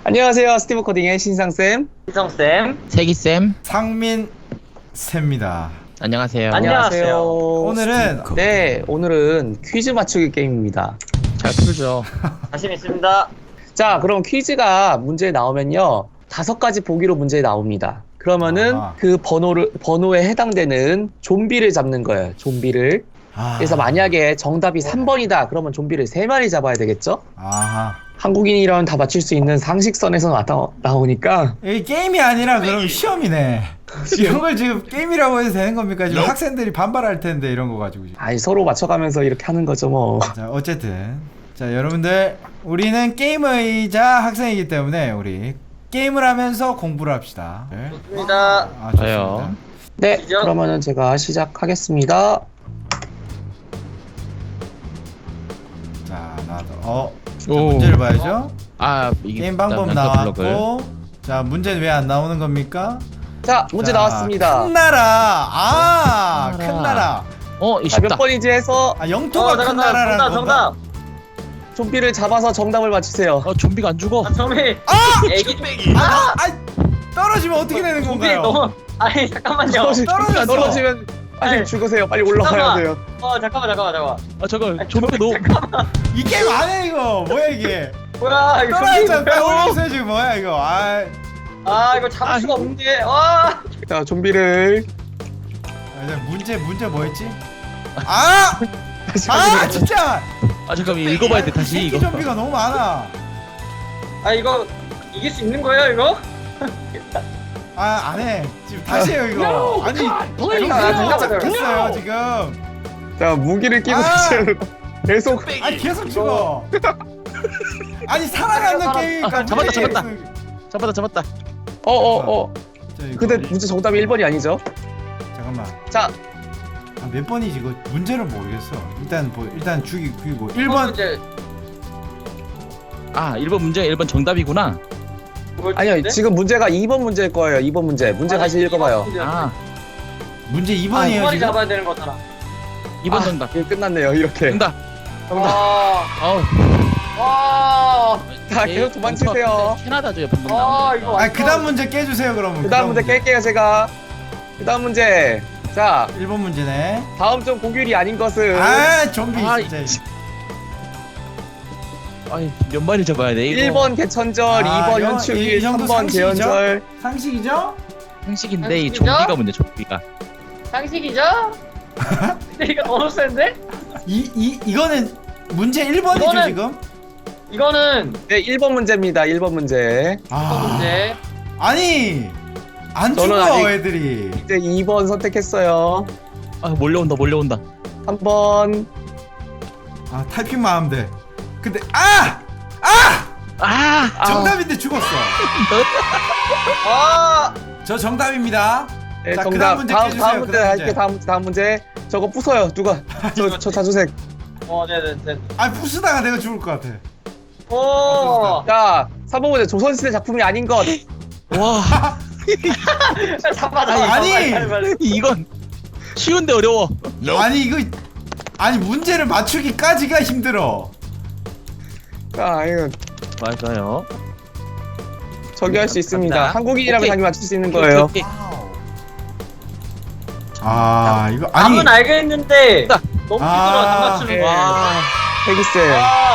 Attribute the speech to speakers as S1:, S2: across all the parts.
S1: 안녕하세요. 스티브 코딩의 신상쌤.
S2: 희성쌤.
S3: 세기쌤
S4: 상민쌤입니다.
S3: 안녕하세요.
S2: 안녕하세요.
S4: 오늘은
S1: 네, 오늘은 퀴즈 맞추기 게임입니다.
S3: 잘 풀죠.
S2: 자신 있습니다.
S1: 자, 그럼 퀴즈가 문제에 나오면요. 5가지 보기로 문제에 나옵니다. 그러면은
S4: 아하.
S1: 그 번호에 해당되는 좀비를 잡는 거예요. 좀비를. 그래서 만약에 정답이 3번이다. 그러면 좀비를 3마리 잡아야 되겠죠?
S4: 아하.
S1: 한국인이라면 다 맞출 수 있는 상식선에서 나오니까
S4: 이 게임이 아니라 그럼 시험이네. 이런 걸 지금 게임이라고 해도 되는 겁니까? 지금 학생들이 반발할 텐데 이런 거 가지고 지금.
S1: 아이 서로 맞춰가면서 이렇게 하는 거죠 뭐.
S4: 자, 어쨌든 자, 여러분들 우리는 게임의자 학생이기 때문에 우리 게임을 하면서 공부를 합시다. 네.
S2: 좋습니다.
S4: 아, 좋습니다.
S3: 저요.
S1: 네,
S2: 시작.
S1: 그러면은 제가 시작하겠습니다.
S4: 자, 나도 자,
S3: 오.
S4: 문제를 봐야죠.
S3: 아 이게
S4: 게임 방법
S3: 일단 블록을.
S4: 나왔고, 자, 문제는 왜 안 나오는 겁니까?
S1: 자, 문제
S4: 자,
S1: 나왔습니다.
S4: 큰 나라.
S3: 큰
S4: 큰
S3: 나라.
S4: 나라.
S3: 이
S1: 자, 몇
S3: 쉽다.
S1: 번인지 해서
S4: 영토가 큰 나라라는
S2: 정답,
S4: 건가?
S2: 정답.
S1: 좀비를 잡아서 정답을 맞히세요.
S3: 좀비가 안 죽어.
S2: 정미. 애기.
S4: 떨어지면 어떻게 되는
S2: 좀비
S4: 건가요?
S2: 너무. 아니 잠깐만요.
S4: 떨어졌어.
S1: 떨어지면 빨리
S2: 아니,
S1: 죽으세요. 빨리 올라가야
S2: 잠깐만.
S1: 돼요.
S2: 잠깐만.
S3: 잠깐 좀비 너무.
S4: 이 게임 안 해 이거. 뭐야 이게?
S2: 뭐야 이거
S4: 떨어졌잖아.
S2: 좀비.
S4: 떨어졌어요 지금 뭐야 이거?
S2: 이거 잡을 수가 없는데. 와.
S1: 자, 좀비를
S4: 문제 뭐였지? 아 진짜.
S3: 잠깐 읽어봐야 돼
S4: 이
S3: 다시
S4: 새끼
S3: 이거.
S4: 좀비가 너무 많아.
S2: 이거 이길 수 있는 거예요 이거?
S4: 안 해. 지금 다시 해요 이거. 아니
S2: 잠깐만.
S4: 잡혔어요 지금.
S1: 자, 무기를 끼고 다시 계속
S4: 아니 계속 죽어. 아니 살아남는 게임이니까.
S3: 잡았다.
S1: 근데 문제 정답이 1번이 아니죠?
S4: 잠깐만.
S1: 자,
S4: 몇 번이지 이거 문제를 모르겠어. 일단 죽이고 1번.
S2: 문제.
S3: 1번 문제가 1번 정답이구나.
S1: 아니요. 지금 문제가 2번 문제일 거예요. 2번 문제. 문제 다시 읽어봐요.
S4: 문제
S2: 두
S4: 2번이에요
S2: 마리
S4: 지금.
S2: 잡아야 되는 거잖아.
S3: 2번 정답.
S1: 이게 끝났네요. 이렇게.
S3: 정답.
S2: 와.
S1: 자, 계속 도망치세요.
S3: 캐나다죠 방금
S2: 이거.
S3: 나온.
S4: 그다음 문제 깨주세요 그러면.
S1: 그다음 문제 깰게요, 제가. 그다음 문제. 자,
S4: 1번 문제네.
S1: 다음 중 공휴일이 아닌 것은
S4: 좀비 진짜.
S3: 몇 마리 잡아야 돼 이거.
S1: 1번 개천절, 2번
S4: 이
S1: 현충일,
S4: 정도
S1: 3번
S4: 상식이죠?
S1: 개연절.
S4: 상식이죠?
S3: 상식인데 이
S2: 상식이죠?
S3: 좀비가 문제 좀비가.
S2: 상식이죠? 근데 이거 너무 센데?
S4: 이거는 문제 1번이죠
S2: 이거는-
S4: 지금?
S2: 이거는
S1: 네, 1번 문제입니다. 1번 문제.
S2: 문제.
S4: 아니 안
S1: 저는
S4: 죽어
S1: 아직-
S4: 애들이.
S1: 이제 2번 선택했어요.
S3: 몰려온다.
S1: 3번.
S4: 타이핑만 하면 돼. 근데 정답인데 죽었어. 저 정답입니다.
S1: 네,
S4: 자,
S1: 정답.
S4: 그다음 문제
S1: 다음
S4: 깨주세요,
S1: 문제
S4: 그다음
S1: 할게.
S4: 문제.
S1: 다음 문제. 저거 부숴요. 누가? 저 자주색.
S2: 네네네.
S4: 부수다가 내가 죽을 것 같아.
S2: 오.
S1: 자, 3번 문제. 조선시대 작품이 아닌 것.
S3: 와
S2: 잡아.
S4: 아니.
S2: 빨리.
S3: 이건 쉬운데 어려워.
S4: 아니 문제를 맞추기까지가 힘들어.
S1: 자, 이거
S3: 맞아요.
S1: 저기 할 수 있습니다.
S3: 갑니다.
S1: 한국인이라면
S3: 오케이.
S1: 당연히 맞출 수 있는 거예요.
S3: 오케이.
S4: 이거
S2: 답은 알겠는데 너무 힘들어 안 맞추는
S1: 네.
S2: 거.
S3: 와.
S1: 태기쌤.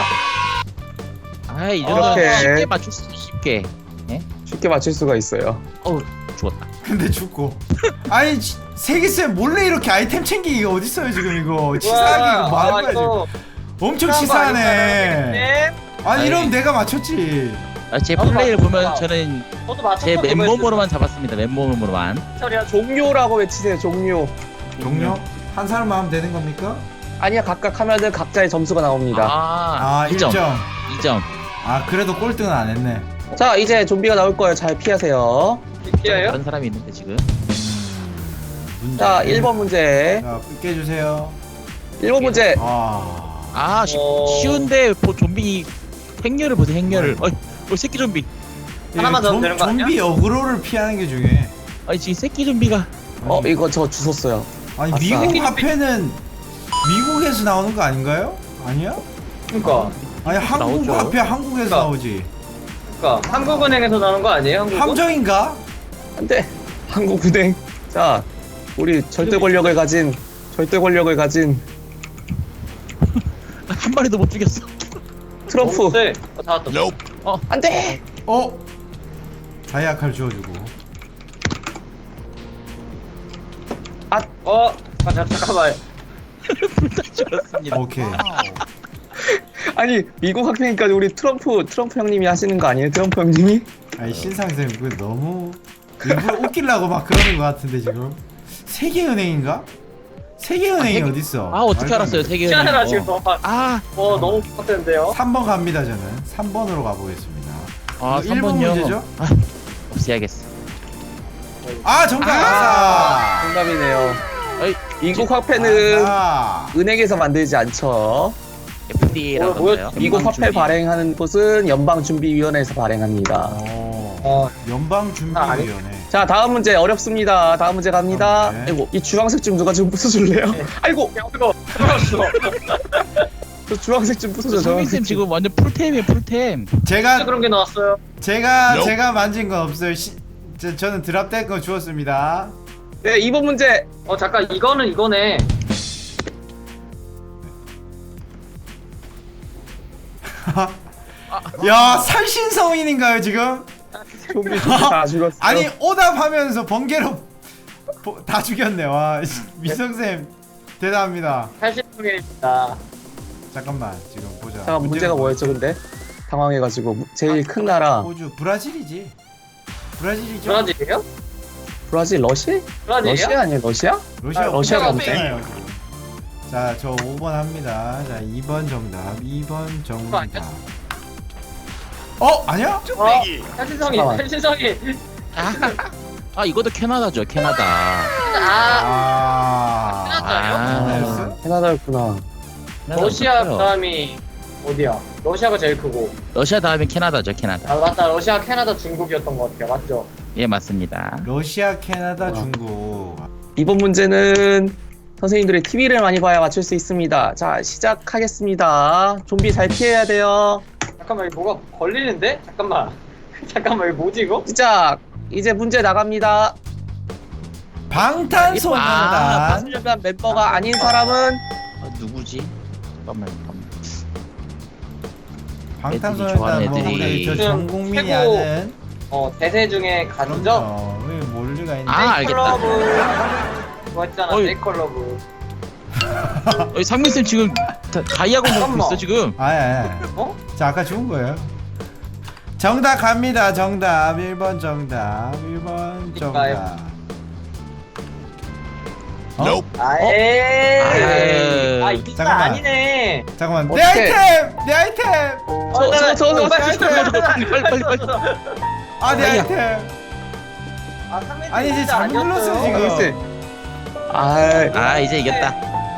S3: 이 정도는
S1: 이렇게.
S3: 쉽게 맞출 수 있어. 쉽게.
S1: 쉽게 맞출 수가 있어요.
S3: 죽었다.
S4: 근데 죽고. 아니 세기쌤 몰래 이렇게 아이템 챙기기가 어딨어요 지금 이거. 치사하게 이거 뭐 하는 거야 지금. 엄청 치사하네. 아니 이러면 내가 맞췄지.
S3: 제
S2: 나도
S3: 플레이를 보면
S2: 맞췄다.
S3: 저는
S2: 저도 맞췄어.
S3: 제 맨몸으로만 잡았습니다. 맨몸으로만.
S1: 종료라고 외치세요. 종료.
S4: 종료? 한 사람만 하면 되는 겁니까?
S1: 아니야, 각각 하면은 각자의 점수가 나옵니다.
S4: 1점.
S3: 2점.
S4: 그래도 꼴등은 안 했네.
S1: 자, 이제 좀비가 나올 거예요. 잘 피하세요.
S2: 피해요?
S3: 다른 사람이 있는데 지금.
S4: 문제.
S1: 자, 1번 문제.
S4: 자, 깨주세요.
S1: 1번 문제.
S3: 쉬운데 좀비 행렬을 보세요. 행렬을. 새끼 좀비.
S2: 하나만 더 하면 되는 거 아니야?
S4: 좀비 어그로를 피하는 게 중요해.
S3: 지금 새끼 좀비가.
S1: 이거 저 주웠어요.
S4: 아니
S1: 아싸.
S4: 미국 화폐는 미국에서 나오는 거 아닌가요? 아니야?
S2: 그러니까.
S4: 아니 한국
S3: 나오죠.
S4: 화폐 한국에서
S2: 그러니까.
S4: 나오지.
S2: 그러니까 한국은행에서 나온 거 아니에요? 한국은?
S4: 함정인가?
S1: 안돼. 한국은행. 자, 우리 절대 권력을 가진
S3: 한 마리도 못 죽였어.
S1: 트럼프.
S2: 너무 세. 잡았다.
S1: 안돼.
S4: 다이아 칼 주워주고.
S2: 잠깐만.
S3: 불다 죽었습니다.
S4: 오케이.
S1: 아니 미국 학생이니까 우리 트럼프 형님이 하시는 거 아니에요? 트럼프 형님이?
S4: 아니 신상쌤 그거 너무 일부러 웃기려고 막 그러는 것 같은데 지금. 세계은행인가? 세계은행이 어딨어?
S3: 아 어떻게 알았어요 세계은행?
S2: 시간이라 지금 너무 너무 똑같은데요.
S4: 3번 갑니다 저는. 3번으로 가보겠습니다.
S3: 아
S4: 1번
S3: 3번요.
S4: 문제죠?
S3: 아, 없애야겠어.
S4: 아 정답! 아싸!
S1: 정답이네요.
S3: 어이,
S1: 미국 화폐는
S4: 아싸!
S1: 은행에서 만들지 않죠.
S3: FDA라고
S2: 뭐야,
S3: 하나요?
S1: 미국 화폐 발행하는 곳은 연방준비위원회에서 발행합니다.
S4: 연방준비위원회.
S1: 자 다음 문제 어렵습니다. 다음 문제 갑니다.
S4: 네.
S1: 아이고 이 주황색 좀 누가 좀 부숴줄래요? 아이고
S2: 이거 들어왔어.
S1: 저 주황색 좀 부숴줘.
S3: 성민쌤 지금 완전 풀템이에요 풀템.
S4: 제가
S2: 그런 게 나왔어요.
S4: 제가 만진 건 없어요. 저는 드랍될 거 주웠습니다.
S1: 네 2번 문제.
S2: 잠깐 이거는 이거네.
S4: 야 살신성인인가요 지금?
S1: 좀비 다 죽었어요.
S4: 아니 오답하면서 번개로 다 죽였네. 와 미성쌤 대단합니다.
S2: 탈신통일입니다.
S4: 잠깐만 지금 보자.
S1: 잠깐 문제가 뭐였죠 근데? 당황해가지고 제일 큰 나라
S4: 호주 브라질이지. 브라질이죠.
S2: 브라질이에요?
S1: 브라질 러시아?
S2: 브라질이요?
S1: 러시아 아니에요 러시아? 러시아가
S4: 없잖아요. 자저 5번 합니다. 자 2번 정답. 2번 정답. 아니야?
S2: 탈신성인,
S1: 잠깐만.
S2: 탈신성인.
S3: 아 이것도 캐나다죠 캐나다.
S2: 캐나다요?
S1: 캐나다였구나.
S2: 러시아
S3: 맞아요.
S2: 그다음이 어디야? 러시아가 제일 크고.
S3: 러시아 다음에 캐나다죠 캐나다.
S2: 맞다. 러시아, 캐나다, 중국이었던 것 같아요. 맞죠?
S3: 예 맞습니다.
S4: 러시아, 캐나다, 중국.
S1: 이번 문제는 선생님들이 TV를 많이 봐야 맞출 수 있습니다. 자 시작하겠습니다. 좀비 잘 피해야 돼요.
S2: 잠깐만 이거 뭐가 걸리는데? 잠깐만. 잠깐만 이거 뭐지 이거?
S1: 시작. 이제 문제 나갑니다.
S4: 방탄소년단.
S1: 소년단 멤버가 아닌 사람은
S3: 누구지? 잠깐만.
S4: 방탄소년단 뭐
S3: 애들이
S4: 우리 저
S2: 좋아하는
S4: 전 국민이
S2: 최고
S4: 아는
S2: 대세 중에 가수죠?
S4: 그럼요. 왜 모를 리가 있나?
S3: 알겠다.
S2: 그거 했잖아.
S3: 어이.
S2: 네이컬러브.
S3: 상민쌤 지금 다이아곤 먹고
S2: 잠깐만.
S3: 있어 지금.
S2: 어?
S4: 자 아까 죽은 거예요. 정답 갑니다. 정답 1번 정답 1번 정답.
S2: 에이.
S3: 아유.
S2: 이거
S4: 잠깐만.
S2: 아니네.
S4: 잠깐만 내
S1: 어떡해.
S4: 아이템! 내 아이템!
S1: 저
S3: 빨리.
S4: 아 내
S3: 아니야.
S4: 아이템! 아니 이제 잘못 눌렀어
S1: 글쎄.
S4: 지금.
S3: 아 이제 이겼다.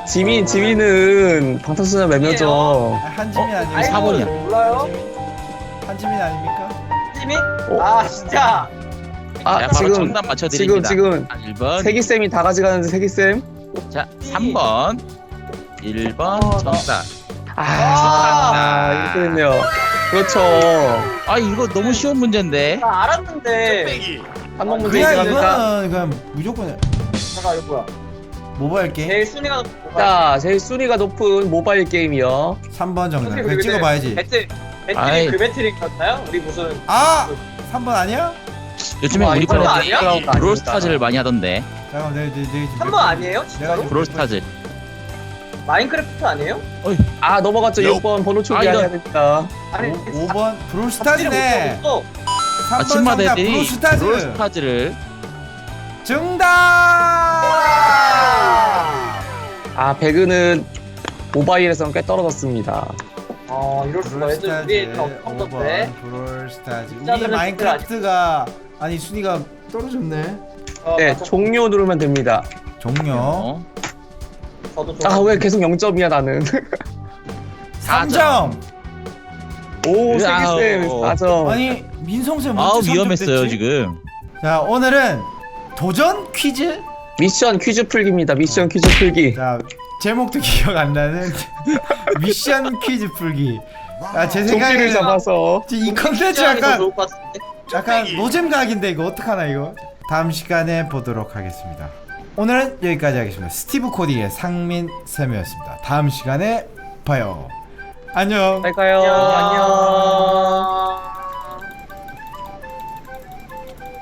S1: 지민은 방탄소년단 멤버죠.
S4: 한지민 아닙니까?
S3: 4번이야.
S2: 몰라요?
S4: 한지민 아닙니까?
S2: 지민?
S1: 어?
S2: 진짜.
S1: 아
S3: 자, 바로
S1: 지금
S3: 정답 맞춰드립니다.
S1: 지금
S3: 1번.
S1: 세기쌤이 다 가져가는데 세기쌤.
S3: 자 3번. 1번 정답.
S1: 이렇게 됐네요. 그렇죠.
S3: 아 이거 너무 쉬운 문제인데.
S2: 나 알았는데.
S1: 한번 문제
S4: 그냥
S1: 이기니까.
S4: 이거는 그냥 무조건
S2: 잠깐 이거 뭐야?
S4: 모바일 게임.
S2: 제일 순위가 높은
S1: 자, 제일 순위가 높은 모바일 게임이요.
S4: 3번 정답. 그냥 찍어봐야지.
S2: 배틀이
S3: 아이.
S2: 그 배틀이었나요? 우리 무슨
S4: 아! 3번 아니야?
S3: 요즘에 우리
S2: 이거
S3: 반
S2: 아니야?
S3: 애들이 브롤스타즈를 많이 하던데.
S4: 잠깐만 내가 지금
S2: 한 번 아니에요?
S4: 내가
S2: 진짜로?
S4: 지금
S3: 브롤스타즈.
S2: 마인크래프트 아니에요?
S1: 넘어갔죠. 6번 번호
S3: 아,
S1: 초기화
S3: 이거-
S1: 해야 됩니다.
S2: 아니
S4: 5번 브롤스타즈네. 3번
S3: 아침마다
S4: 정답
S3: 애들이
S4: 브롤스타즈.
S3: 브롤스타즈를
S4: 정답!
S1: 배그는 모바일에서는 꽤 떨어졌습니다.
S2: 이럴 수가. 애들 우리 더 컴퓨터인데.
S4: 5번 브롤스타즈. 우리
S2: 진짜들은
S4: 마인크래프트가 아니 순위가 떨어졌네.
S1: 네, 종료 누르면 됩니다.
S4: 종료.
S2: 저도 좀.
S1: 왜 계속 0점이야 나는.
S4: 3점.
S1: 오, 세기쌤
S3: 아우.
S1: 4점.
S4: 아니 민성쌤
S3: 아우
S4: 언제 3점
S3: 위험했어요
S4: 됐지?
S3: 지금.
S4: 자 오늘은 도전 퀴즈.
S1: 미션 퀴즈 풀기입니다. 미션 퀴즈 풀기.
S4: 자 제목도 기억 안 나는 미션 퀴즈 풀기. 제
S1: 좀비를
S4: 생각에는
S1: 잡아서
S4: 이 컨텐츠
S2: 더
S4: 약간
S2: 좋을 것 같은데.
S4: 노잼각인데 이거 어떡하나 이거. 다음 시간에 보도록 하겠습니다. 오늘은 여기까지 하겠습니다. 스티브 코디의 상민 쌤이었습니다. 다음 시간에 봐요. 안녕.
S1: 잘 가요.
S2: 안녕.
S1: 안녕.